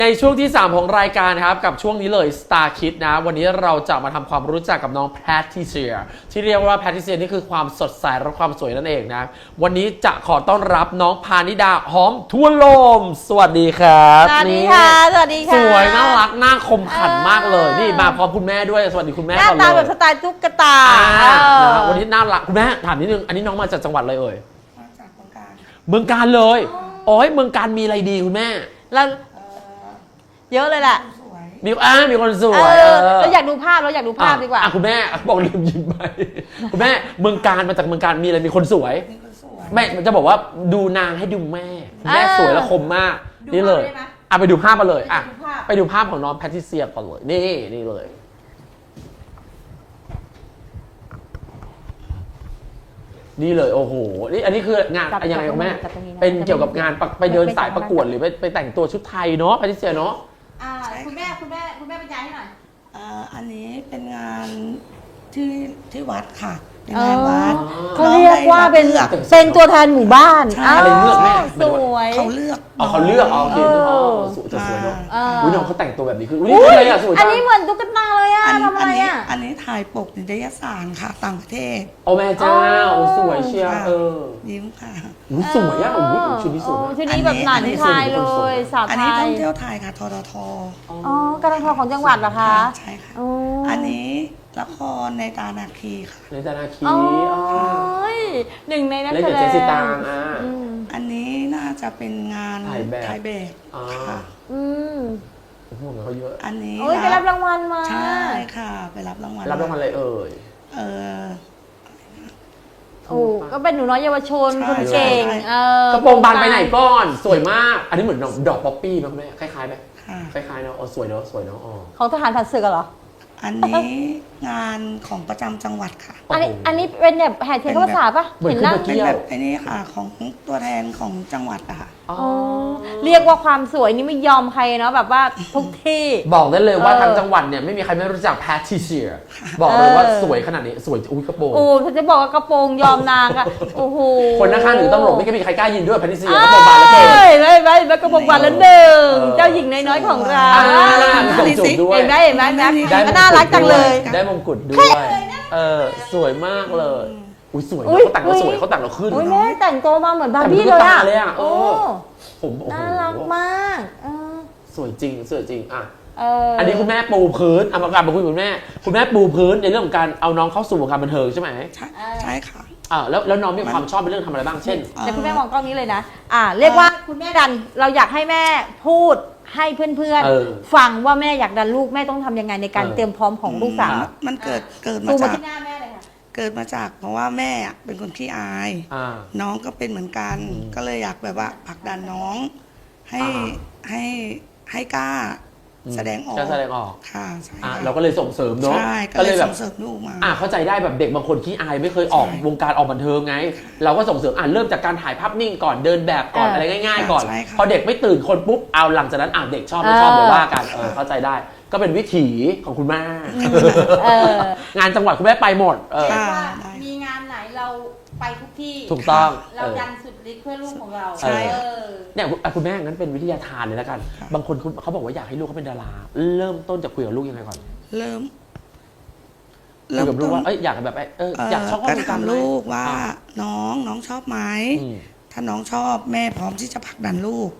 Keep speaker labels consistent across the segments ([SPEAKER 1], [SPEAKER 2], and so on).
[SPEAKER 1] ในช่วงที่ 3 ของรายการครับกับช่วงนี้เลย Star Kids นะวันนี้เราจะมาทำความรู้จักกับน้องแพทริเซียที่เรียกว่าแพทริเซียนี่คือความสดใสและความสวยนั่นเองนะวันนี้จะขอต้อนรับน้องพานิดาหอมทั่วลมสวัสดีครับ
[SPEAKER 2] สวัสดีค่ะสวัสดีค่ะ
[SPEAKER 1] สวยน่ารักน่าคมขันมากเลยนี่มาพร้อมคุณแม่ด้วยสวัสดีคุณแม่
[SPEAKER 2] หน้า
[SPEAKER 1] ก่อน
[SPEAKER 2] ตา
[SPEAKER 1] เล
[SPEAKER 2] แบ
[SPEAKER 1] ย
[SPEAKER 2] บสไตล์ตุ๊กตา
[SPEAKER 1] นะวันนี้น่ารักคุณแม่ถามนิดนึงอันนี้น้องมาจากจังหวัดอะไรเอ่ย
[SPEAKER 3] มาจากเมืองการ
[SPEAKER 1] เมืองการเลยโอ้ยเมืองการมีอะไรดีคุณแม่
[SPEAKER 2] แล้วเยอะเลยแหละ
[SPEAKER 3] สวย
[SPEAKER 1] มีคนสวย
[SPEAKER 2] เราอยากดูภาพดีกว่า
[SPEAKER 1] คุณแม่บอกลืมยิ้มไปคุณแม่เมืองการมาจากเมืองการมีอะไรมีคนสวย
[SPEAKER 3] นี่ก็สวย
[SPEAKER 1] แม่จะบอกว่าดูนางให้ดูแม่แม่สวยและคมมากนี่เลยไปดูภาพมาเลยไปดูภาพของน้องแพทริเซียก่อนเลยนี่เลยนี่เลยโอ้โหนี่อันนี้คืองานยังไงคุณแม่เป็นเกี่ยวกับงานไปเดินสายประกวดหรือไปแต่งตัวชุดไทยเนาะแพทริเซียเนาะ
[SPEAKER 2] คุณแม่บรรยายให้หน่อย
[SPEAKER 3] อันนี้เป็นงานที่วัดค่ะเป็นงานวัด
[SPEAKER 2] เขาเรียกว่าเป็น
[SPEAKER 3] เลือก
[SPEAKER 2] ตัวแทนหมู่บ้าน
[SPEAKER 1] อะไรเลือกแม่
[SPEAKER 2] สวย
[SPEAKER 3] เขาเลือก
[SPEAKER 1] เขาเลือกโอเคจะสวยเนาะอุ้ยน้องเขาแต่งตัวแบบนี้คืออุ้ยอะไรอะสวย
[SPEAKER 2] อั
[SPEAKER 1] จั
[SPEAKER 2] น
[SPEAKER 1] ง
[SPEAKER 2] นี้เหมือนตุ๊กตาเลยอะทำอะไรอะ
[SPEAKER 3] อันนี้ถ่ายปกนิตยสารค่ะต่างประเทศ
[SPEAKER 1] โอ้แม่เจ้าสวยเชียว
[SPEAKER 3] ยิ้มค่ะ
[SPEAKER 1] อุ้ยสวยอะอุ้ยชุดนี้สวยมาก
[SPEAKER 2] ชุดนี้แบบหนันไทยเลยสาว
[SPEAKER 3] อัน
[SPEAKER 2] ไท
[SPEAKER 3] นี้ท่อย งเที่ยวไทยค่ะททท
[SPEAKER 2] อ๋อการท่องเที่ยวของจังหวัดเหรอคะ
[SPEAKER 3] ใช่ค่ะ
[SPEAKER 2] อ๋อ
[SPEAKER 3] อันนี้ละครในตานาคีค่ะ
[SPEAKER 1] ในตานาคี
[SPEAKER 2] โอ้ยหนึ่งในนัก
[SPEAKER 1] เล่น
[SPEAKER 2] แส
[SPEAKER 1] กับ
[SPEAKER 2] ด
[SPEAKER 1] เจ
[SPEAKER 2] ง
[SPEAKER 1] สสิตาง
[SPEAKER 3] อันนี้น่าจะเป็นงาน
[SPEAKER 1] ถ่ายแบบ
[SPEAKER 3] ถ่ายแบบค่ะ
[SPEAKER 2] อืม
[SPEAKER 1] โอ้โหเขาเยอะ
[SPEAKER 3] อันนี้
[SPEAKER 2] โอ้ยไปรับรางวัลมา
[SPEAKER 3] ใช่ค่ะ ไปรับรางวัล
[SPEAKER 1] รับรางวัลอะไรเอ่ย
[SPEAKER 3] เออ
[SPEAKER 2] โอ้ก็เป็นหนูน้อยเยาวชน
[SPEAKER 3] ใช่
[SPEAKER 2] คนเก่ง
[SPEAKER 3] ใช่
[SPEAKER 1] กระโปรงบานไปไหนก่อนสวยมาก อันนี้เหมือนดอกป๊อปปี้ไหมคุณแม่คล้ายๆไหม
[SPEAKER 3] ค่ะ
[SPEAKER 1] คล้ายๆเนาะสวยเนาะอ๋อ
[SPEAKER 2] ของทหารผ่านศึกเหรอ
[SPEAKER 3] อันนี้งานของประจำจังหวัดค่ะ
[SPEAKER 2] อันนี้เป็นแบบแห่เทียนเข้าพรรษาปะ
[SPEAKER 1] เหมือน
[SPEAKER 2] เห็น
[SPEAKER 1] ขึ้น
[SPEAKER 2] นั่ง
[SPEAKER 1] มา
[SPEAKER 3] เป็น
[SPEAKER 1] เที่ย
[SPEAKER 3] แบ
[SPEAKER 1] ว
[SPEAKER 3] บไอ้นี่ค่ะของตัวแทนของจังหวัดอะค่ะ
[SPEAKER 1] อ๋อ
[SPEAKER 2] เรียกว่าความสวยนี่ไม่ยอมใครเนาะแบบว่าทุกที่
[SPEAKER 1] บอกได้เลยว่าทางจังหวัดเนี่ยไม่มีใครไม่รู้จักแพทริเซียบอกเลยว่าสวยขนาดนี้สวยอุ้ยกระโปรง
[SPEAKER 2] โอ้ฉันจะบอกว่ากระโปรงยอมนางอะโอ้โห
[SPEAKER 1] คนข้างๆหรือตำรวจไม่มีใครกล้ายินด้วยแพทริเซียกระโปรงบานแล้วเกิน
[SPEAKER 2] ไม่กระโปรงบานละหนึ่ง
[SPEAKER 1] เออ
[SPEAKER 2] เจ้าหญิงน้อยๆของเรา
[SPEAKER 1] มีส่งจูบด้วย
[SPEAKER 2] เห็นไหม
[SPEAKER 1] ได้มงกุฎ
[SPEAKER 2] น่ารักจังเลย
[SPEAKER 1] ได้มงกุฎด้วยสวยมากเลยอุ้ยสวยเขาแต่งเราสวยเขาแต่งเราขึ้น
[SPEAKER 2] โอ้ยแม่แต่งตัวมาเหมือนบาร์บี้เลยอะ
[SPEAKER 1] แต่งเป็นตุ๊กตาเลยอะ
[SPEAKER 2] โอ้
[SPEAKER 1] ผมโอ้โห
[SPEAKER 2] น่ารักมาก
[SPEAKER 1] สวยจริงอ่ะ
[SPEAKER 2] อั
[SPEAKER 1] อันนี้คุณแม่ปูพื้นเอามากลับมาคุยกับคุณแม่ปูพื้นในเรื่องของการเอาน้องเข้าสู่วงการบันเทิงใช่ไหม
[SPEAKER 3] ใช่ค่ะ
[SPEAKER 1] แล้วน้องมีความชอบในเรื่องทำอะไรบ้างเช่น
[SPEAKER 2] เดี๋ยวคุณแม่มองกล้องนี้เลยนะเรียกว่าคุณแม่ดันเราอยากให้แม่พูดให้เพื่อนๆฟังว่าแม่อยากดันลูกแม่ต้องทำยังไงในการเตรียมพร้อมของลูกสาว
[SPEAKER 3] มันเกิดมา
[SPEAKER 2] ซูมมา
[SPEAKER 3] จาก
[SPEAKER 2] ที่หน้าแม่เลยค่ะ
[SPEAKER 3] เกิดมาจากเพราะว่าแม่อะเป็นคนขี้อาย น้องก็เป็นเหมือนกัน ก็เลยอยากแบบว่าผลักดันน้องให้ให้กล้าแสดงออก
[SPEAKER 1] จะแสดงออก
[SPEAKER 3] ค่ะใช่
[SPEAKER 1] เราก็เลยส่งเสริมเนาะ
[SPEAKER 3] ใช่ก็เลยส่งเสริมลูกมา
[SPEAKER 1] เข้าใจได้แบบเด็กบางคนขี้อายไม่เคยออกวงการออกบันเทิงไง เราก็ส่งเสริมเริ่มจากการถ่ายภาพนิ่งก่อนเดินแบบก่อนอะไรง่ายๆก่อนพอเด็กไม่ตื่นคนปุ๊บเอาหลังจากนั้นเด็กชอบไม่ชอบเดี๋ยวว่ากันเข้าใจได้ก็เป็นวิถีของคุณแม่งานจังหวัดคุณแม่ไปหมด
[SPEAKER 2] มีงานไหนเราไปทุกที่
[SPEAKER 1] ถูกต้อง
[SPEAKER 2] เราดันสุดฤทธิ์เพื่อลูกของเรา
[SPEAKER 3] ใช่
[SPEAKER 1] เนี่ยคุณแม่งั้นเป็นวิทยาทานเลยแล้วกัน บางคนเขาบอกว่าอยากให้ลูกเขาเป็นดาราเริ่มต้นจากคุยกับลูกยังไงก่อน
[SPEAKER 3] เริ่ม
[SPEAKER 1] คุยกับลูกว่าอยากแบบอยากชอบ
[SPEAKER 3] ก็ถามลูกว่าน้องชอบไหมถ้าน้องชอบแม่พร้อมที่จะผลักดันลูก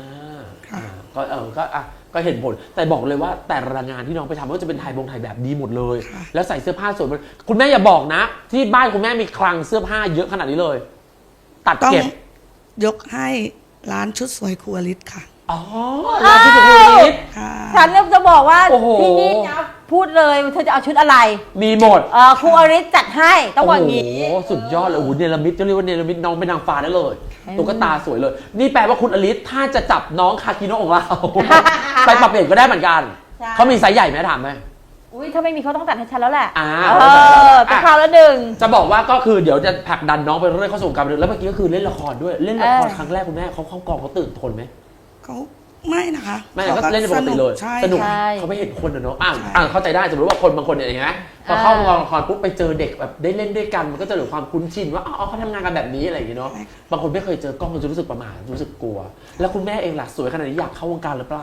[SPEAKER 1] ก็เห็นผลแต่บอกเลยว่าแต่ละงานที่น้องไปทำก็จะเป็นถ่ายแบบดีหมดเลย แล้วใส่เสื้อผ้าสวยคุณแม่อย่าบอกนะ ที่บ้านคุณแม่มีคลังเสื้อผ้าเยอะขนาดนี้เลย ตัด
[SPEAKER 3] ต้อง
[SPEAKER 1] เก็บ
[SPEAKER 3] ยกให้ร้านชุดสวยครัวลิศค่ะ
[SPEAKER 1] อ๋อร้านที่สุขุมวิท
[SPEAKER 3] ค่ะ
[SPEAKER 2] ฉันจะบอกว่า
[SPEAKER 1] โอ้โห
[SPEAKER 2] ที่นี่นะพูดเลยเธอจะเอาชุดอะไร
[SPEAKER 1] มีหมด
[SPEAKER 2] ครูอริสจัดให้ต้องบอกอย่างนี้
[SPEAKER 1] โอ้โหสุดยอดเลยโอ้โหเนรมิตจะเรียกว่าเนรมิตน้องเป็นนางฟ้าได้เลยตุ๊กตาสวยเลย นี่แปลว่าคุณอลิสถ้าจะจับน้องคาคิโนะของเรา ไปปรับเปลี่ยนก็ได้เหมือนกัน
[SPEAKER 2] ใช่
[SPEAKER 1] เขามีไซส์ใหญ่ไหมถามไหม
[SPEAKER 2] อุ้ยถ้าไม่มีเขาต้องตัดให้ฉันแล้วแหละ
[SPEAKER 1] จะ
[SPEAKER 2] คราวละหนึ่ง
[SPEAKER 1] จะบอกว่าก็คือเดี๋ยวจะผลักดันน้องไปเรื่อยๆเข้าสู่วงการบันเทิงแล้วเมื่อกี้ก็คือเล่นละครด้วยเล่นละครครั้งแรกคุณแม่เขาเข้ากองเขาตื่นทนไหม
[SPEAKER 3] เขาไม่นะคะ
[SPEAKER 1] ไม่ก็เล่นปกติเลย
[SPEAKER 3] ใช่
[SPEAKER 1] สนุก
[SPEAKER 3] ค่ะ
[SPEAKER 1] เขาไม่เห็นคนเนาะเข้าใจได้สมมติว่าคนบางคนเนี่ยเห็นไหมพอเข้ากองละครปุ๊บไปเจอเด็กแบบได้เล่นด้วยกันมันก็จะเกิดความคุ้นชินว่าเขาทำงานกันแบบนี้อะไรอย่างเงี้ยเนาะบางคนไม่เคยเจอกล้องจะรู้สึกประหม่ารู้สึกกลัว แล้วคุณแม่เองล่ะสวยขนาดนี้อยากเข้าวงการหรือเปล่า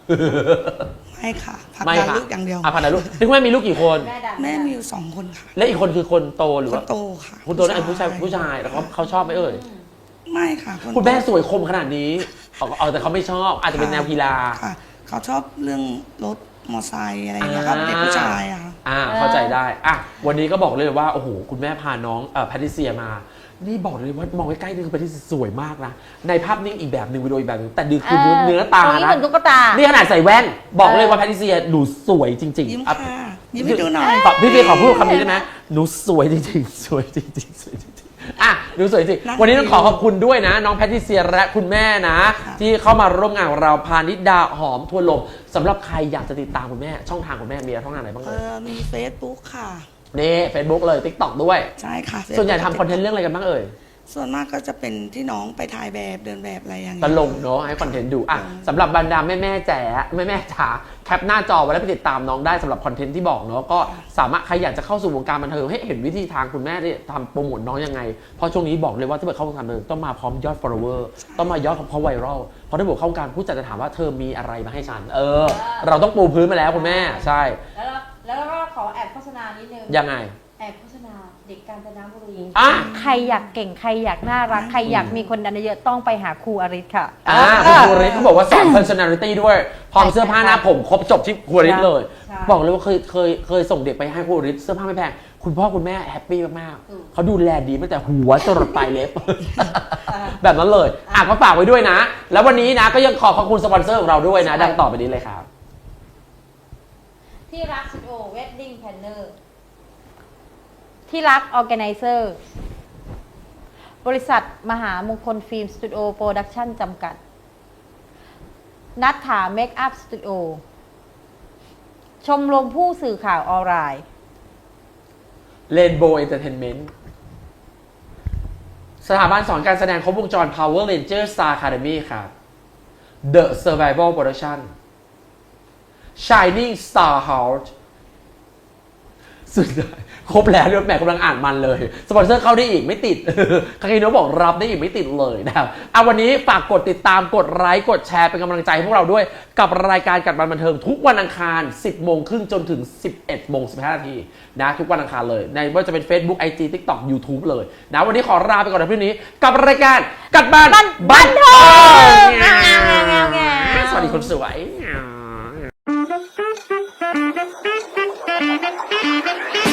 [SPEAKER 3] ไม่ค่ะผลัก
[SPEAKER 1] ไม่
[SPEAKER 3] ดัน
[SPEAKER 1] ค่ะ
[SPEAKER 3] ลูกอย่างเดียว
[SPEAKER 1] พักดันลูกนี่คุณแม่มีลูกกี่คน
[SPEAKER 2] แม่ดัน
[SPEAKER 3] แม่มีอยู่2 คนค่ะ
[SPEAKER 1] และอีกคนคือคนโตหรือ
[SPEAKER 3] คน
[SPEAKER 1] ว่า
[SPEAKER 3] โตค่ะ
[SPEAKER 1] คนโตนั่นเป็นผู้ชายแล้วเขาชอบไหมเอ่ย
[SPEAKER 3] ไม่ค่ะน
[SPEAKER 1] คุณแม่
[SPEAKER 3] โต
[SPEAKER 1] สวยคมขนาดนี้เอาแต่เขาไม่ชอบอาจจะเป็นแนวกีฬา
[SPEAKER 3] ค่ะ เขาชอบเรื่องรถมอไซค์อะไรอย่างเงี้ยครับเด็กผู้ชายอะค่ะ
[SPEAKER 1] เข้าใจได้วันนี้ก็บอกเลยว่าโอ้โหคุณแม่พาน้องแพทริเซียมา นี่บอกเลยว่ามองใกล้ๆนี่คือแพทริเซียสวยมากนะในภาพนิ่งอีกแบบหนึ่งวิดีโออีกแบบหนึ่งแต่ดูคือเนื้อตา
[SPEAKER 2] ตรงนี้
[SPEAKER 1] นะ
[SPEAKER 2] เหมือนตุ๊กตา
[SPEAKER 1] นี่ขนาดใส่แว่นบอกเลยว่าแพทริเซียหนูสวยจริง
[SPEAKER 3] ยิ้ม
[SPEAKER 1] ๆอ่ะ
[SPEAKER 3] ค่ะยิ้มให้ดูหน่อย
[SPEAKER 1] พี่เฟียขอพูดคำนี้ได้ไหมหนูสวยจริงๆสวยจริงๆสวยจริงๆหนูสวยจริงวันนี้ต้องขอขอบคุณด้วยนะน้องแพทริเซียและคุณแม่นะ ที่เข้ามาร่วมงานของเราพานิดาหอมทั่วลมสำหรับใครอยากจะติดตามคุณแม่ช่องทางคุณแม่มีช่องทางไหนบ้างเลย
[SPEAKER 3] มี Facebook ค่ะ
[SPEAKER 1] นี่ Facebook เลย TikTok ด้วย
[SPEAKER 3] ใช่ค่ะ
[SPEAKER 1] ส่วนใหญ่ทำคอนเทนต์เรื่องอะไรกันบ้างเอ่ย
[SPEAKER 3] ส่วนมากก็จะเป็นที่น้องไปถ่ายแบบเดินแบบอะไรอย่าง
[SPEAKER 1] ต
[SPEAKER 3] เงี้ย
[SPEAKER 1] ลงเนาะให้คอนเทนต์ดูสำหรับบรรดาแม่ๆแจ๋แม่ๆจ๋าแคปหน้าจอไว้แล้วไปติดตามน้องได้สำหรับคอนเทนต์ที่บอกเนาะก็สามารถใครอยากจะเข้าสู่วงการบันเทิงให้เห็นวิธีทางคุณแม่ที่ทำโปรโมทน้องยังไงเพราะช่วงนี้บอกเลยว่าถ้าเกิดเข้าวงการบันเทิงต้องมาพร้อมยอด follower ต้องมายอดเพราะไวรัลเพราะถ้าเกิดเข้าวงการผู้จัดจะถามว่าเธอมีอะไรมาให้ฉันเราต้องปูพื้นมาแล้วคุณแม่ใช่
[SPEAKER 2] แล้วก็ขอแอบโฆษณานิดนึง
[SPEAKER 1] ยังไง
[SPEAKER 2] แอบโฆษณาเด็กกาญจนบุรี
[SPEAKER 1] อ่ะ
[SPEAKER 2] ใครอยากเก่งใครอยากน่ารักใครอยากมีคนดันเยอะต้องไปหาครูอริศค่ะ
[SPEAKER 1] คุณครูริศเขาบอกว่าสอน personality ด้วยพร้อมเสื้อผ้าหน้าผมครบจบที่ครูริศเลย
[SPEAKER 2] ใช่
[SPEAKER 1] บอกเลยว่าเคยส่งเด็กไปให้ครูริศเสื้อผ้าไม่แพงคุณพ่อคุณแม่แฮปปี้มากๆเขาดูแลดีตั้งแต่หัวจรดปลายเล็บ แบบนั้นเลยก็ฝากไว้ด้วยนะ แล้ววันนี้นะก็ยังขอบคุณสปอนเซอร์ของเราด้วยนะ ดังต่อไปนี้เลยครับ
[SPEAKER 2] ที่รักสตูดิโอเวดดิ้งแพลนเนอร์ที่รักออแกไนเซอร์บริษัทมหามงคลฟิล์มสตูดิโอโปรดักชั่นจำกัด นัทถาเมคอัพสตูดิโอชมรมผู้สื่อข่าวออนไลน์
[SPEAKER 1] Rainbow Entertainment สถาบันสอนการแสดงครบวงจร Power Ranger Star Academy ครับ The Survival Production Shining Star House สุดท้ายครบแล้วเรื่องแม่กำลังอ่านมันเลยสปอนเซอร์เข้าได้อีกไม่ติด คาคิโนะบอกรับได้อีกไม่ติดเลยนะครับวันนี้ฝากกดติดตามกดไลค์กดแชร์เป็นกำลังใจให้พวกเราด้วยกับรายการกัดบันบันเทิงทุกวันอังคาร 10 โมงครึ่งจนถึง 11 โมง 15 นาทีนะทุกวันอังคารเลยในว่าจะเป็น Facebook IG TikTok YouTube เลยนะวันนี้ขอลาไปก่อนในพรุ่งนี้กับรายการกัดบันบันเทิงสวัสดีคนสวย
[SPEAKER 4] Thank you.